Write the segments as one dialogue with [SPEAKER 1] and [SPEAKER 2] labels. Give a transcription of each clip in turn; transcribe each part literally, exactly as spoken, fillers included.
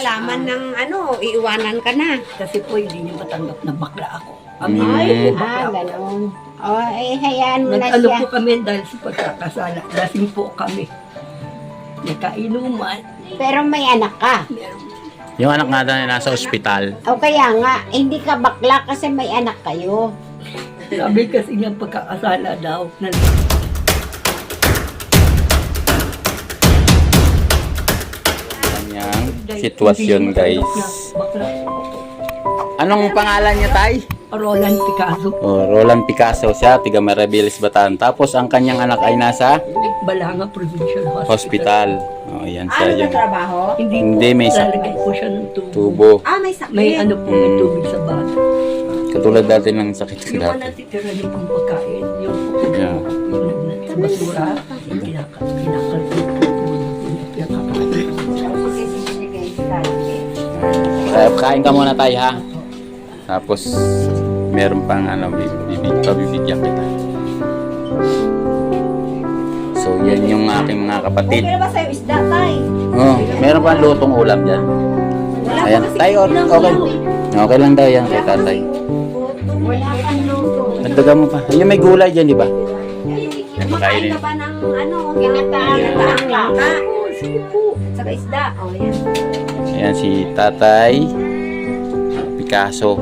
[SPEAKER 1] Alaman ng ano, iiwanan ka na.
[SPEAKER 2] Kasi po hindi niya matanggap na bakla ako.
[SPEAKER 3] Mm.
[SPEAKER 2] Ay,
[SPEAKER 4] Ah,
[SPEAKER 2] bakla ako.
[SPEAKER 4] gano'n. O, eh, hayaan mo na
[SPEAKER 2] Nag-ano
[SPEAKER 4] siya.
[SPEAKER 2] po kami dahil sa pagkakasala. Lasing po kami. Nagkainuman.
[SPEAKER 4] Pero may anak ka.
[SPEAKER 2] Meron.
[SPEAKER 3] Yung anak nga na nasa ospital.
[SPEAKER 4] O kaya nga, hindi ka bakla kasi may anak kayo.
[SPEAKER 2] Sabi kasi niya pagkakasala daw. Na,
[SPEAKER 3] Kanyang sitwasyon, guys.
[SPEAKER 2] Bakla.
[SPEAKER 3] Anong pangalan niya, Tay?
[SPEAKER 2] Roland Picasso.
[SPEAKER 3] Oh, Roland Picasso siya, tiga Maribeles, Bataan. Tapos ang kanyang anak ay nasa
[SPEAKER 2] Balanga Provincial Hospital.
[SPEAKER 3] hospital. Oh, yan siya
[SPEAKER 1] Ano
[SPEAKER 3] yung
[SPEAKER 1] trabaho?
[SPEAKER 2] Hindi,
[SPEAKER 3] Hindi,
[SPEAKER 2] po,
[SPEAKER 3] may sa-
[SPEAKER 2] lalagay po siya ng tubo.
[SPEAKER 3] tubo.
[SPEAKER 1] Ah, may sakit.
[SPEAKER 2] May ano po, may
[SPEAKER 3] Mm.
[SPEAKER 2] tubig sa baso.
[SPEAKER 3] Katulad dati ng sakit ko
[SPEAKER 2] Yung mga
[SPEAKER 3] dati.
[SPEAKER 2] natitira niyo pong pagkain, yung
[SPEAKER 3] Yeah.
[SPEAKER 2] yung nag- sa basura, yung kinaka- kinakalpit po po. Pinakakain.
[SPEAKER 3] Kaya kain ka muna, Tay, ha? Tapos meron pang ano, bibig, pabibigyan kita. So, yan yung aking mga kapatid.
[SPEAKER 1] Okay na ba sa'yo isda, tay?
[SPEAKER 3] Oh, meron pang lutong ulam dyan.
[SPEAKER 1] Wala
[SPEAKER 3] Ayan,
[SPEAKER 1] pa kasi
[SPEAKER 3] Tay,
[SPEAKER 1] ulam
[SPEAKER 3] okay.
[SPEAKER 1] lang eh.
[SPEAKER 3] Okay lang daw yan kay tatay.
[SPEAKER 4] Wala kang luto.
[SPEAKER 3] Nagdagan mo pa. Ayun, may gulay dyan, di ba?
[SPEAKER 1] Kumakain ka ba ng ano?
[SPEAKER 4] Ginataang
[SPEAKER 1] Ginataang langka.
[SPEAKER 2] Oh, sige po.
[SPEAKER 1] Saka isda. O, yan.
[SPEAKER 3] Ayan si Tatay Picasso.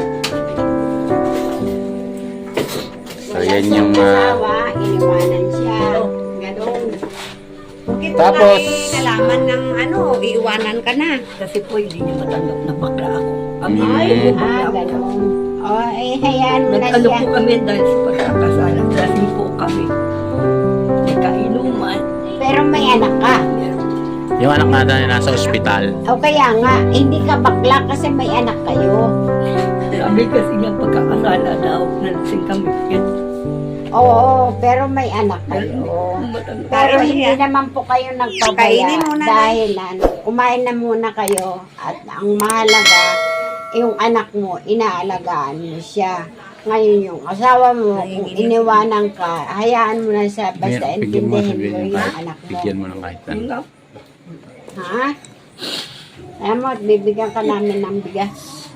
[SPEAKER 3] So, yan yung... ah,
[SPEAKER 4] Asawa, iniwanan siya. Gano'n.
[SPEAKER 1] Bakit mo
[SPEAKER 3] Tapos-
[SPEAKER 1] nga eh, nalaman ng ano, iiwanan ka na.
[SPEAKER 2] Kasi po hindi niya matanggap na bakla ako. Ang
[SPEAKER 3] Mm.
[SPEAKER 2] ay,
[SPEAKER 4] Ah,
[SPEAKER 2] bakla ako.
[SPEAKER 4] gano'n. O, eh, hayaan mo na
[SPEAKER 2] Nag-ano
[SPEAKER 4] siya.
[SPEAKER 2] po kami dahil sa pagkakasala. Lasing po kami. Nagkainuman.
[SPEAKER 4] Pero may anak ka.
[SPEAKER 2] Meron.
[SPEAKER 3] yung anak nga na nasa ospital.
[SPEAKER 4] O kaya nga, hindi ka bakla kasi may anak kayo.
[SPEAKER 2] Sabi kasi niya pagkakasala daw. Nalasing kami. Yan.
[SPEAKER 4] Oo, pero may anak kayo.
[SPEAKER 2] Matanggap.
[SPEAKER 4] Pero
[SPEAKER 1] Pero
[SPEAKER 4] hindi
[SPEAKER 1] siya-
[SPEAKER 4] naman po kayo nagpabaya
[SPEAKER 1] Kainin muna na.
[SPEAKER 4] dahil ano, kumain na muna kayo at ang mahalaga, yung anak mo, inaalagaan mo siya. Ngayon yung asawa mo, kung iniwanan ka, hayaan mo na siya, basta
[SPEAKER 3] Bigyan mo,
[SPEAKER 4] intindihin
[SPEAKER 3] sabihin
[SPEAKER 4] mo
[SPEAKER 3] mo,
[SPEAKER 4] yung anak mo.
[SPEAKER 3] Bigyan mo ng kahit
[SPEAKER 2] Yun
[SPEAKER 3] ano.
[SPEAKER 2] nga.
[SPEAKER 4] Ha? Alam mo, at bibigyan ka namin ng bigas.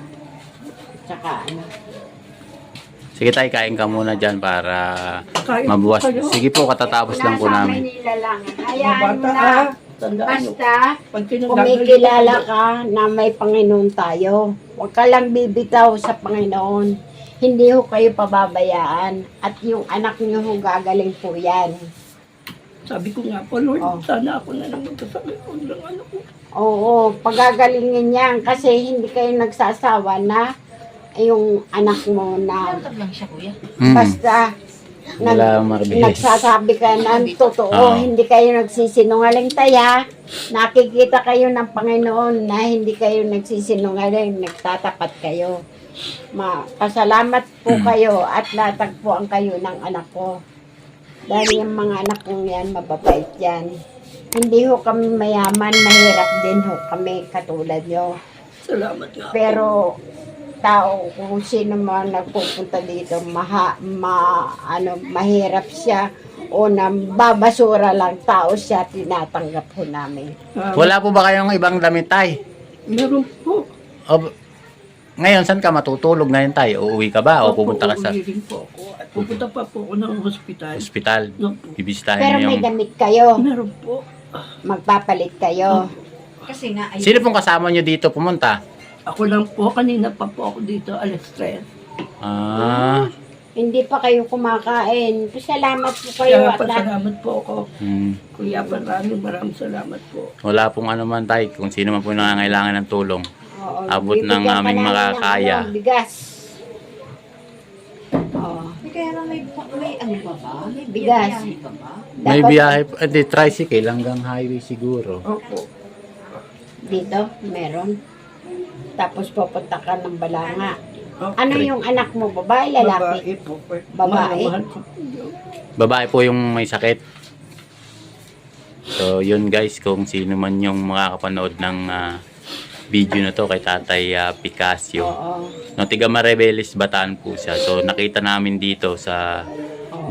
[SPEAKER 4] Tsaka ano.
[SPEAKER 3] Sige, Tay, kain ka muna dyan para
[SPEAKER 2] Kain
[SPEAKER 3] mabuwas.
[SPEAKER 2] po kayo.
[SPEAKER 3] Sige po, katatapos lang po
[SPEAKER 4] Nasa
[SPEAKER 3] namin.
[SPEAKER 4] Manila lang.
[SPEAKER 2] Mga
[SPEAKER 4] Hayaan mo
[SPEAKER 2] bata
[SPEAKER 4] na.
[SPEAKER 2] ah. Tandaan nyo.
[SPEAKER 4] Basta,
[SPEAKER 2] Pag kinagalit
[SPEAKER 4] kumikilala
[SPEAKER 2] ko,
[SPEAKER 4] ka na may Panginoon tayo. Huwag ka lang bibitaw sa Panginoon. Hindi ho kayo pababayaan. At yung anak niyo ho gagaling po yan.
[SPEAKER 2] Sabi ko nga po, Lord,
[SPEAKER 4] Oh.
[SPEAKER 2] sana ako na lang magkasakit ko ng ano ko.
[SPEAKER 4] Oo, pagagalingin yan. Kasi hindi kayo nagsasawa na yung anak mo na
[SPEAKER 3] Hmm.
[SPEAKER 4] basta nag,
[SPEAKER 3] Wala akong mabilis.
[SPEAKER 4] nagsasabi ka ng totoo.
[SPEAKER 3] Oo.
[SPEAKER 4] Hindi kayo nagsisinungaling taya. Nakikita kayo ng Panginoon na hindi kayo nagsisinungaling. Nagtatapat kayo. Ma, pasalamat po kayo at natagpuan kayo ng anak ko. Dahil yung mga anak kong yan, mababait yan. Hindi ho kami mayaman, mahirap din ho kami katulad nyo.
[SPEAKER 2] Salamat nga.
[SPEAKER 4] Pero tao, kung sino man nagpupunta dito, maha, ma, ano, mahirap siya o nambabasura lang tao siya, tinatanggap ho namin.
[SPEAKER 2] Ah,
[SPEAKER 3] Wala po ba kayong ibang damit, Tay?
[SPEAKER 2] meron po.
[SPEAKER 3] O, ngayon, saan ka matutulog ngayon, Tay? Uuwi ka ba o pupunta ka sa
[SPEAKER 2] Uuwi rin po ako. At pupunta pa po ako ng hospital.
[SPEAKER 3] ospital?
[SPEAKER 2] No po.
[SPEAKER 3] Bibisitahin
[SPEAKER 4] Pero
[SPEAKER 3] mo
[SPEAKER 4] may
[SPEAKER 3] yung...
[SPEAKER 4] damit kayo,
[SPEAKER 2] Meron po.
[SPEAKER 4] magpapalit kayo.
[SPEAKER 1] Kasi nga, ay,
[SPEAKER 3] Sino pong kasama nyo dito pumunta?
[SPEAKER 2] Ako lang po, kanina pa po ako dito, alas tres.
[SPEAKER 3] Ah,
[SPEAKER 4] Hindi pa kayo kumakain. Salamat po kayo
[SPEAKER 2] Kaya
[SPEAKER 4] at lahat.
[SPEAKER 2] pasalamat po ako.
[SPEAKER 3] hmm.
[SPEAKER 2] Kuya, maraming maraming salamat po.
[SPEAKER 3] Wala pong ano man, Tay. Kung sino man po nangangailangan ng tulong.
[SPEAKER 4] Oo,
[SPEAKER 3] Abot ng
[SPEAKER 4] bibigyan ka
[SPEAKER 3] aming
[SPEAKER 4] namin ng
[SPEAKER 3] makakaya.
[SPEAKER 4] ano, bigas. Oo.
[SPEAKER 1] kaya na may, may ano ba ba? May
[SPEAKER 4] Bigas.
[SPEAKER 1] biyahe ba ba?
[SPEAKER 3] May
[SPEAKER 4] Dapat
[SPEAKER 3] biyahe, eh, di, tricycle hanggang highway siguro.
[SPEAKER 2] Opo.
[SPEAKER 4] Dito, meron. Tapos pupunta ka ng Balanga.
[SPEAKER 2] Opo.
[SPEAKER 4] Ano yung anak mo, babae, lalaki?
[SPEAKER 2] Babae po.
[SPEAKER 4] Babae?
[SPEAKER 2] Mahal ko po yun.
[SPEAKER 3] Babae po yung may sakit. So, yun guys, kung sino man yung makakapanood ng ah, video na to kay Tatay ah, Picasso.
[SPEAKER 4] Oo.
[SPEAKER 3] No, tiga Maribeles, Bataan po siya. So, nakita namin dito sa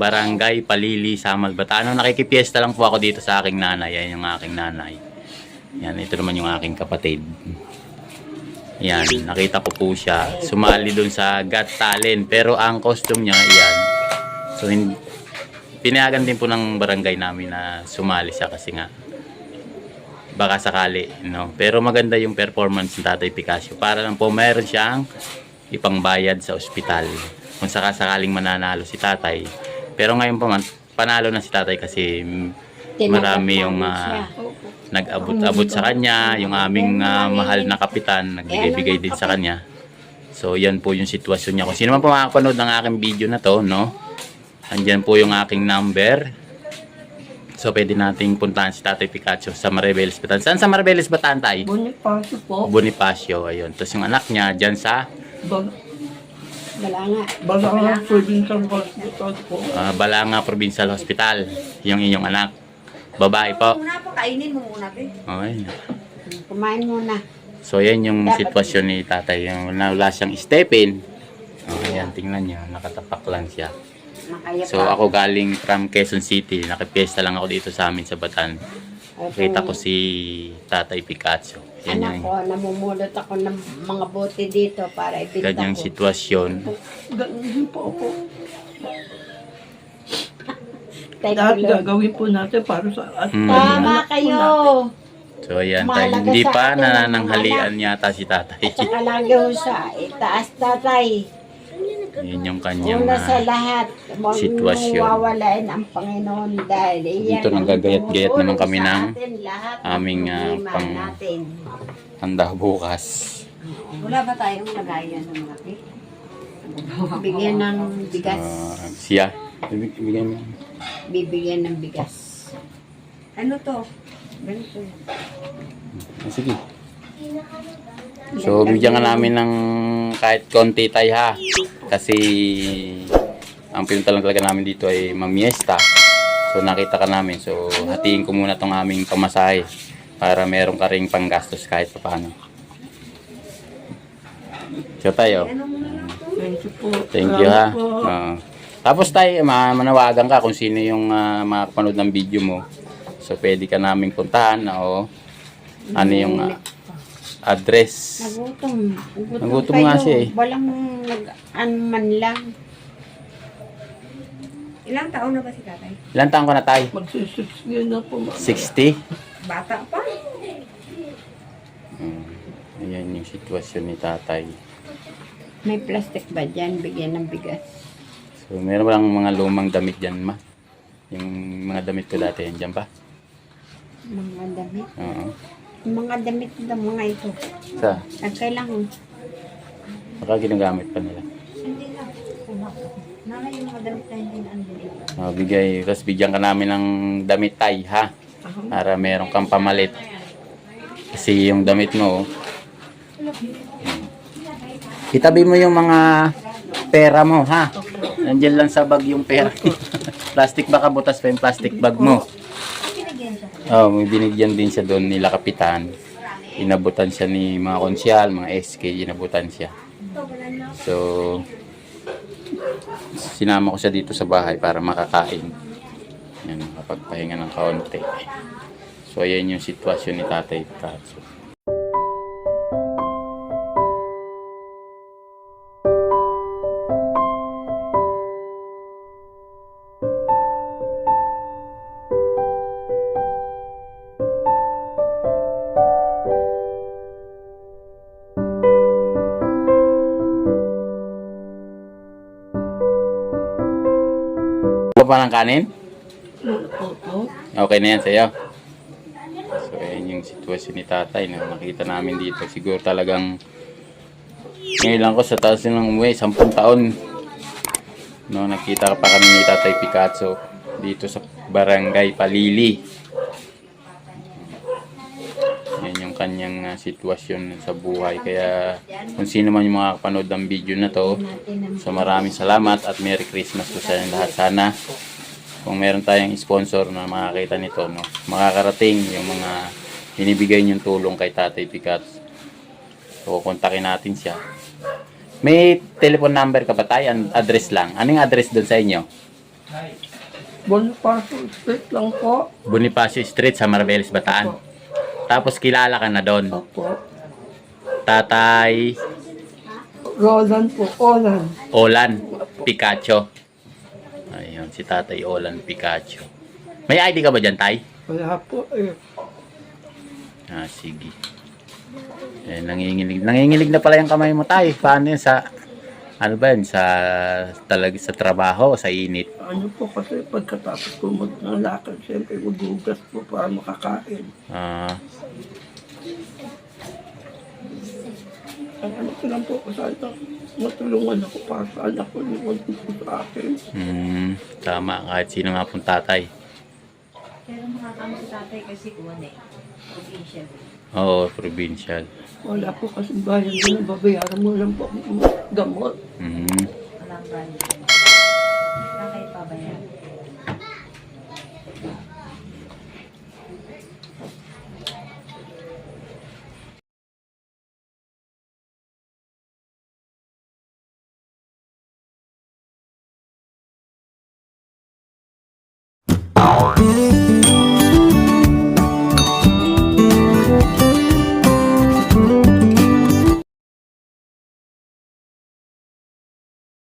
[SPEAKER 3] Barangay Palili, Samal, Bataan. No, nakikipiesta lang po ako dito sa aking nanay. Yan yung aking nanay. Yan, ito naman yung aking kapatid. Yan, nakita ko po siya. Sumali dun sa Got Talent. Pero ang costume niya, yan. So, hin- pinayagan din po ng barangay namin na sumali siya kasi nga baka sakali, no? Pero maganda yung performance ng Tatay Picasso. Para lang po mayroon siyang ipangbayad sa ospital. Kung sakasakaling mananalo si Tatay. Pero ngayon po man, panalo na si Tatay kasi marami yung uh, nag-abot-abot sa kanya, yung aming uh, mahal na kapitan, nagbigay-bigay din sa kanya. So, yan po yung sitwasyon niya. Kung sino man po makakapanood ng aking video na to, no? Andyan po yung aking number. So, pwede nating puntahan si Tatay Picasso sa Maribeles, Bataan. Saan sa Maribeles, Bataan, Tay?
[SPEAKER 2] Bonifacio po.
[SPEAKER 3] Bonifacio, ayun. Tapos yung anak niya, dyan sa
[SPEAKER 2] Bal
[SPEAKER 4] Balanga.
[SPEAKER 2] Balanga Provincial Hospital po.
[SPEAKER 3] uh, Balanga Provincial Hospital. Yung inyong anak. Babae po.
[SPEAKER 1] Muna po, kainin mo muna, be.
[SPEAKER 3] Okay.
[SPEAKER 4] Kumain muna.
[SPEAKER 3] So, yan yung sitwasyon ni Tatay. Yung wala siyang stepin. Oh, ayan, tingnan nyo. Nakatapak lang siya.
[SPEAKER 4] Makaya
[SPEAKER 3] So, ako galing from Quezon City. Nakipiesta lang ako dito sa amin sa Bataan. Kita ko si Tatay Picasso. Yan
[SPEAKER 4] Anak
[SPEAKER 3] yung
[SPEAKER 4] ko, namumulot ako ng mga bote dito para ibinta
[SPEAKER 3] ganyang
[SPEAKER 4] ko.
[SPEAKER 3] sitwasyon.
[SPEAKER 2] Ganun din po po.
[SPEAKER 4] Thank
[SPEAKER 2] Lahat
[SPEAKER 4] you, Lord.
[SPEAKER 2] gagawin po natin para sa at
[SPEAKER 3] Mm.
[SPEAKER 4] Tama kayo.
[SPEAKER 3] So, ayan. Tayo,
[SPEAKER 4] Mahalaga
[SPEAKER 3] hindi
[SPEAKER 4] sa
[SPEAKER 3] pa
[SPEAKER 4] atin ang
[SPEAKER 3] nanananghalian yata si Tatay.
[SPEAKER 4] At saka lagi ho sa itaas tatay.
[SPEAKER 3] Yan yung kanyang
[SPEAKER 4] Una sa
[SPEAKER 3] ah,
[SPEAKER 4] lahat, huwag
[SPEAKER 3] sitwasyon.
[SPEAKER 4] mong wawalain ang Panginoon dahil iyan
[SPEAKER 3] Dito nang
[SPEAKER 4] ang
[SPEAKER 3] gagayat-gayat naman
[SPEAKER 4] tumutulong
[SPEAKER 3] kami
[SPEAKER 4] sa
[SPEAKER 3] ng
[SPEAKER 4] atin lahat ng
[SPEAKER 3] aming, ah,
[SPEAKER 4] problema
[SPEAKER 3] pang-
[SPEAKER 4] natin.
[SPEAKER 3] handa bukas.
[SPEAKER 1] Wala ba tayong lagayan ng malaki?
[SPEAKER 4] Bigyan ng bigas.
[SPEAKER 3] Ah, siya. Ibig- Ibigay mo.
[SPEAKER 4] Bibigyan ng bigas.
[SPEAKER 1] Ano to?
[SPEAKER 4] Ganito.
[SPEAKER 3] Ah, sige. So, bigyan nga namin ng kahit konti tayo ha. Kasi, ang pinunta lang talaga namin dito ay mamiesta. So, nakita ka namin. So, hatiin ko muna tong aming pamasahe para meron ka ring panggastos kahit pa paano. So, tayo.
[SPEAKER 2] Thank you po.
[SPEAKER 3] Thank you ha.
[SPEAKER 2] Salamat po.
[SPEAKER 3] Ah. Tapos tayo, ma- manawagan ka kung sino yung uh, makakapanood ng video mo. So, pwede ka naming puntahan o ano yung ah, address.
[SPEAKER 4] Nagutom.
[SPEAKER 3] Nagutom nga siya eh.
[SPEAKER 4] Walang nag-ano man lang.
[SPEAKER 1] Ilang taon na ba si tatay?
[SPEAKER 3] Ilan taon ka na tayo?
[SPEAKER 2] Magsisix yun na po. ma'am.
[SPEAKER 3] sixty?
[SPEAKER 1] Bata pa.
[SPEAKER 3] Hmm. Ayan yung sitwasyon ni tatay.
[SPEAKER 4] May plastic ba dyan? Bigyan ng bigas.
[SPEAKER 3] So, meron ba lang mga lumang damit dyan, ma? Yung mga damit ko dati, yan dyan pa?
[SPEAKER 4] Mga damit.
[SPEAKER 3] Oo.
[SPEAKER 4] Mga damit na mga ito.
[SPEAKER 3] Sa?
[SPEAKER 4] At kailangan.
[SPEAKER 3] Baka ginagamit pa nila.
[SPEAKER 1] Hindi na. Nana yung mga damit na hindi na andun.
[SPEAKER 3] Uh, bigay, tapos bigyan ka namin ng damit tay, ha? Para meron kang pamalit. Kasi yung damit mo, hmm. itabi mo yung mga pera mo, ha? Nandiyan lang sa bag yung pera. Plastic baka butas pa yung plastic bag mo. Oh, may binigyan din siya doon nila kapitan. Inabutan siya ni mga konsyal, mga S K, inabutan siya. So, sinama ko siya dito sa bahay para makakain. Yan, makapagpahinga ng kaunti. So, ayan yung sitwasyon ni Tatay Picasso. Gusto pa ng kanin?
[SPEAKER 2] Opo.
[SPEAKER 3] Okay na yan sa'yo. So, ayan yung sitwasyon ni tatay na nakita namin dito. Siguro talagang ngayon lang ko sa taas ng umuwi, sampung taon. No, nakita pa kami ni Tatay Picasso dito sa Barangay Palili. Yan yung kanyang uh, sitwasyon sa buhay. Kaya kung sino man yung makakapanood ng video na to, so maraming salamat at Merry Christmas po sa inyo lahat. Sana kung meron tayong sponsor na makakita nito, no, makakarating yung mga hinibigay niyong tulong kay Tatay Picasso. So kontakin natin siya. May telephone number ka ba tayo? An- Address lang. Anong address doon sa inyo?
[SPEAKER 2] Bonifacio Street lang po.
[SPEAKER 3] Bonifacio Street sa Maribeles, Bataan. Tapos kilala ka na doon.
[SPEAKER 2] Opo.
[SPEAKER 3] Tatay
[SPEAKER 2] Roland po, Roland.
[SPEAKER 3] Olan Picacho. Ayun, si Tatay Olan Picacho. May I D ka ba dyan, Tay?
[SPEAKER 2] Wala po eh.
[SPEAKER 3] Ah, sige. Eh, nanginginig. Nanginginig na pala yung kamay mo, Tay. Paano yun sa... Ano ba yun? Sa, talag, sa trabaho o sa init?
[SPEAKER 2] Ano po kasi pagkatapos ko magnalakad, siyempre maghugas po para makakain.
[SPEAKER 3] Ah,
[SPEAKER 2] Ang ano ko lang po, sana matulungan ako para sa anak ko yung magpupo sa akin.
[SPEAKER 3] mm, tama. Kahit sino nga pong tatay.
[SPEAKER 1] Pero makakama si tatay kasi kuwan eh. Provincial.
[SPEAKER 3] Oo, provincial.
[SPEAKER 2] Wala po kasi bayan din, babayaran mo lang po ang gamot.
[SPEAKER 3] Mm.
[SPEAKER 1] Walang brand. Wala kayo pabayan.